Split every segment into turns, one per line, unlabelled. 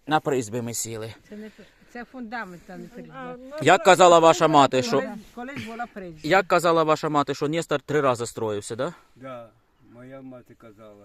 На призьбі ми сіли.
Це фундамент, а не призьба.
Як казала ваша мати, що...
Колись була призьба.
Як казала ваша мати, що Нестор 3 рази строївся, да?
Да, моя мати казала.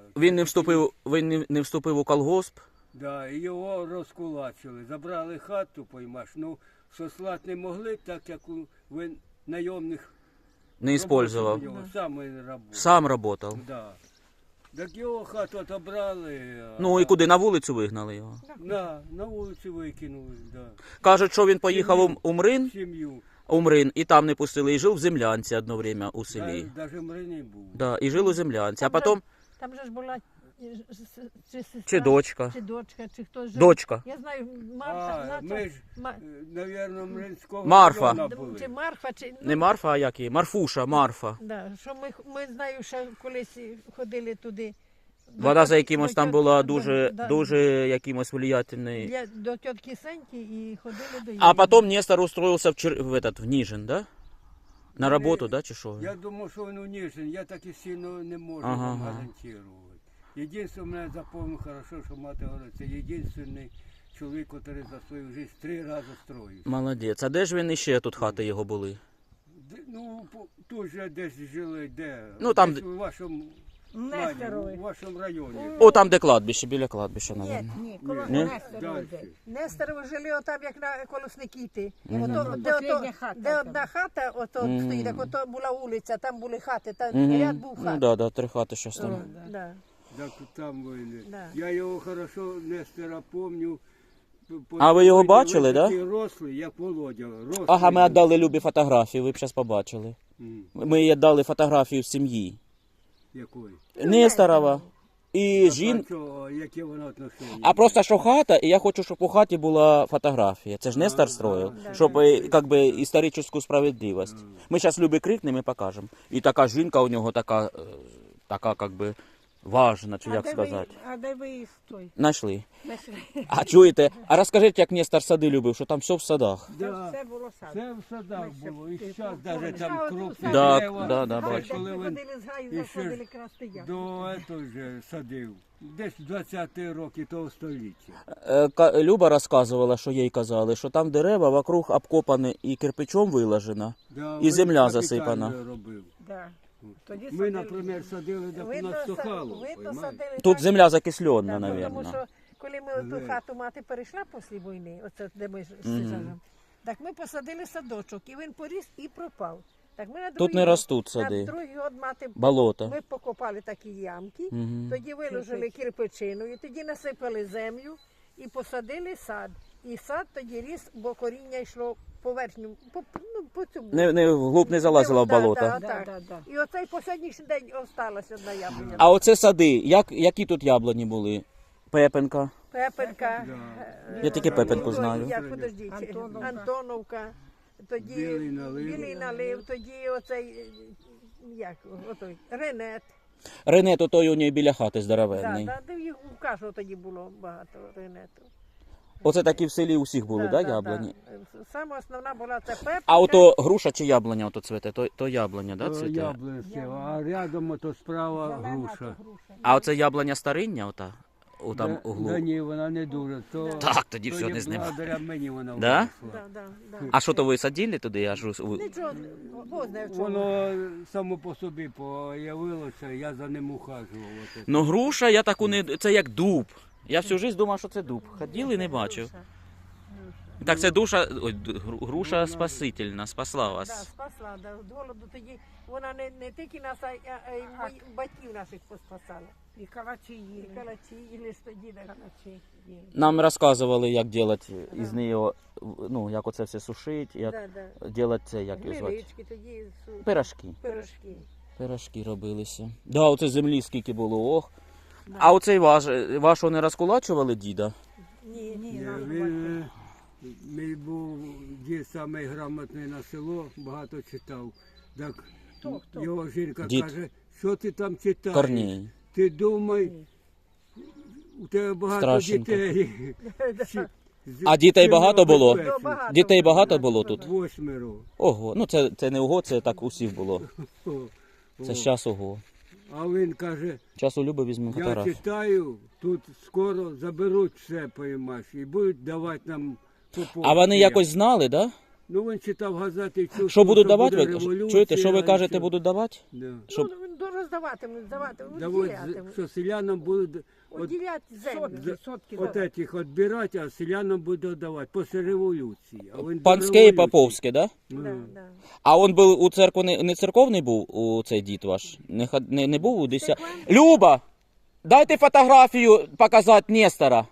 Він не вступив у колгосп?
Да, і його розкулачили. Забрали хату, поймаш. Ну, сослати не могли, так як він найомних
Не использовал.
Сам він працював.
Сам работал.
Да. Так його хату отобрали.
Ну і куди? На вулицю вигнали його?
На вулицю викинули, да.
Кажуть, що він поїхав у Мрин,
Сім'ю.
і там не пустили, і жив в землянці одно время у селі.
Навіть Мрині був.
Да, і жив у землянці, а потім...
Там же ж була чи сестра,
Чи дочка.
чи дочка, чи хтось жив.
Дочка.
Я знаю, Марфа,
Ми ж, навірно, Мринського
Марфа.
району були.
чи Марфа, чи...
Не Марфа, а як її? Марфуша, Марфа.
Да, що ми знаю, що колись ходили туди.
Вона за якимось там була
Да.
дуже якимось влиятельний.
До тітки Сеньки і ходили до її.
А потім Нестор устроился в Ніжин, да? На роботу, да, чи що?
Я думав, що він уніжен, я так і сильно не можу
Ага,
вам
ага.
гарантувати. Єдине, мене запомнив хорошо, що мати говорить, це єдиний чоловік, який за свою життя 3 рази строїв.
Молодець. А де ж він іще тут хати його були?
Ну, тут же десь жили, де?
Ну, там,
Десь у вашому,
Нестерові.
у вашому районі.
О, там, де кладбище, біля кладбища,
Ні,
мабуть.
ні, коло
Ні?
Нестерові.
Дальше.
Нестерові жили отам, як на колосники.
Последня хата
Де
там.
одна хата ото стоїть, так ото була вулиця, там були хати, там
Мгм.
ряд був
Ну,
хат.
да, 3 хати щось там.
Да.
Так там вони.
Да.
Я його хорошо, Нестора, пам'ятаю.
А ви його бачили, да?
Такий рослий, як Володя. Рослий.
Ага, ми віддали Любі фотографію, ви б зараз побачили.
М,
Ми їй віддали фотографію з сім'ї.
Якої?
Несторова. І
Яке воно отношення?
А просто що хата, і я хочу, щоб у хаті була фотографія. Це ж Нестор строїв, щоб як би історичну справедливість. Ми зараз Любі крикнемо і покажемо. І така жінка у нього така як би важна, чи як сказати.
А де ви її той?
Знайшли. А чуєте? А розкажіть, як Нестор сади любив, що там все в садах.
Да.
Це було сад.
Це в садах було, і зараз навіть там крупні
Да,
дерева.
да,
Це
бачу.
коли
Ми
він
ходили з гаю,
і ще
заходили красти яблуки.
до этого же садив. Десь в 20-ті роки того століття.
Люба розказувала, що їй казали, що там дерева вокруг обкопані і кирпичом виложено.
Да,
І земля
він
засипана.
капітально робив.
Да. Тоді
Ми,
садили.
наприклад, садили так у нас сухало.
видно, садили
Тут
так,
земля закислена,
тому
мабуть.
що коли ми ту хату мати перейшла після війни, оце де ми живемо, так ми посадили садочок, і він поріс і пропав. Так ми на
Тут
другий
не
год-
ростуть сади.
На другий год мати
Болото.
ми покопали такі ямки,
Мгм.
тоді виложили кирпичину, і тоді насипали землю і посадили сад. І сад тоді ріс, бо коріння йшло по верхньому, по цьому.
Не вглуб не залазила в
Да,
болото.
да,
Да,
так.
да, да.
І оцей останній день осталася одна яблуня.
А оце сади, які тут яблуні були? Пепенка.
Пепелька.
Я тільки Пепельку знаю.
Як, подождіть,
Антоновка.
Антоновка. Тоді
Білий налив.
тоді оцей, як, отой, Ренет.
Ренет той у неї біля хати
Да,
здоровенний.
да, де їх у кожного тоді було багато Ренету.
Оце такі в селі усіх були, да, яблуні?
Да. Саме основна була це пепелька.
А ото груша чи яблуня ото цвете? То яблуня, да, цвете?
Яблунці, а рядом ото справа груша.
А оце яблуня стариння ота? У там
Да
углу.
ні, вона не дуже. То,
Так, тоді
то
все
є
не знімав.
благодаря мені вона
Да?
виросла.
Да.
А що то ви садили туди?
Нічого, Бог знає в чому.
Воно само по собі появилося, я за ним ухажував. Ото.
Ну груша, я таку не... Це як дуб. Я всю життя думав, що це дуб. Ходив і не бачив. Так це груша спасительна, спасла
Да,
вас.
спасла, да, від голоду тоді вона не тільки нас, а й батьків наших поспасала.
І калачі їли.
І калачі, і лист тоді, да.
Калачі їли.
Нам розказували, як робити із неї, ну, як оце все сушити, як робити це, як його звати.
Гнилички тоді,
Пирожки.
пирожки.
Пирожки робилися. Да, оце землі скільки було, ох. А оцей вашого не розкулачували діда?
Ні,
Він мій був дід самий грамотний на село, багато читав. Так його жінка
Дід.
каже, що ти там читаєш?
Корній.
Ти думай, у тебе багато
Страшенко.
дітей.
А дітей багато було?
Ну, багато.
Дітей багато було тут?
8.
Ого, ну це не ого, це так усіх було. Це зараз ого.
А він каже,
Зараз у Люби візьмемо
я
фотографію.
читаю, тут скоро заберуть все, поймаєш, і будуть давати нам
А вони якось знали, да?
Ну він читав газети і чув,
Що будуть давати?
буде
Ви
революція,
чуєте, що ви
і
кажете,
що.
будуть давати?
Да.
Щоб...
Ну, роздаватимуть, даватимуть,
Да от,
уділятимуть.
що селянам будуть от,
Уділять землю.
Сотки.
от этих відбирати, а селянам буде давати після революції. А він до
Панське і
революції.
Поповське, да?
Да, да.
А он був у церкву не церковний був у цей дід ваш? Не був у 10? Люба! Дайте фотографію показати Нестора.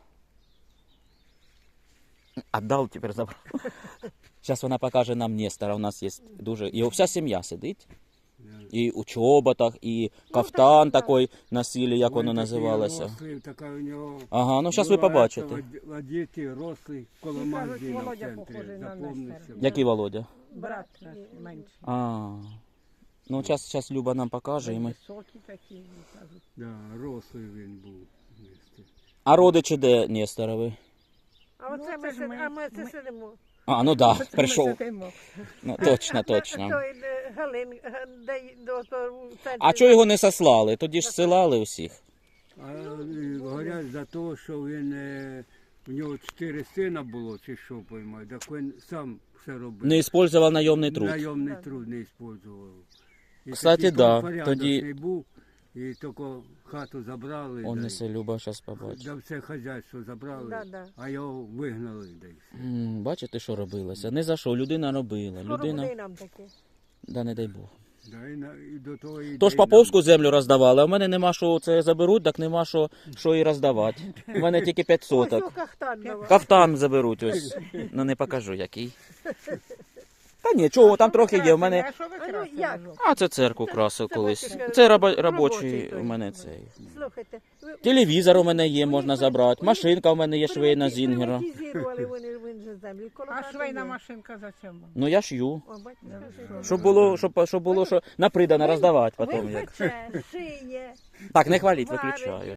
Отдав, тепер забрав. Зараз вона покаже нам Нестора. У нас є дуже... Його вся сім'я сидить. І у чоботах, і кафтан такий носили, як воно
Він такий
називалося.
рослий, така у нього
Ага, ну зараз ви
була
побачите.
ета, одіти, рослий, коло
Всі кажуть,
магазину в
Володя
центрі.
похожий на
Запомнився.
Нестора.
Який Володя?
Брат наш менший.
А, ну зараз Люба нам покаже. І ми...
Високий такий, кажуть.
Да, рослий він був. Нестор.
А родичі де Несторови?
А оце
Ну,
ми,
це ж ми-
а ми це
ми-
сидимо.
А, ну да,
Ми
прийшов.
сидимо.
Ну, точно, точно.
Той Галин, де до того в центрі.
А чого його не сослали? Тоді ж силали усіх.
А говорять за те, що він, у нього 4 сина було, чи що поймаю, так він сам все робив.
Не використовував найомний труд.
Найомний труд не використовував. І
Кстати,
такий
да,
порядочний
тоді-
був, і тільки хату забрали,
Он
да,
несе Люба, зараз побачить.
да все хазяйство забрали,
Да, да.
а його вигнали десь.
Бачите, що робилося? Не за що, людина робила.
Скоро буде
Людина,
і нам таке.
да не дай Бог.
Да, і до того і
Тож Поповську землю роздавали, а в мене нема що це заберуть, так нема що і роздавати. У мене тільки 5
Ось
соток.
о, кахтан давай.
Кафтан заберуть ось. Ну не покажу який. Та ні, чого, там трохи є. У мене.
А що ви
А ну,
красили?
як?
А це церкву красив
Це
колись.
батюшка
Це
робочий
робочий
той.
у мене цей.
Слухайте, ви
Телевізор у мене є, можна забрати. Машинка у мене є швейна Зінгера.
Приватизували вони же землю. Коло
А
хати
швейна
є.
машинка зачем вам?
Ну я шью.
О, бачите,
Щоб було, що на придане роздавати потім.
Він
Як.
пече, шиє.
Так, не хваліть,
Варить.
виключаю.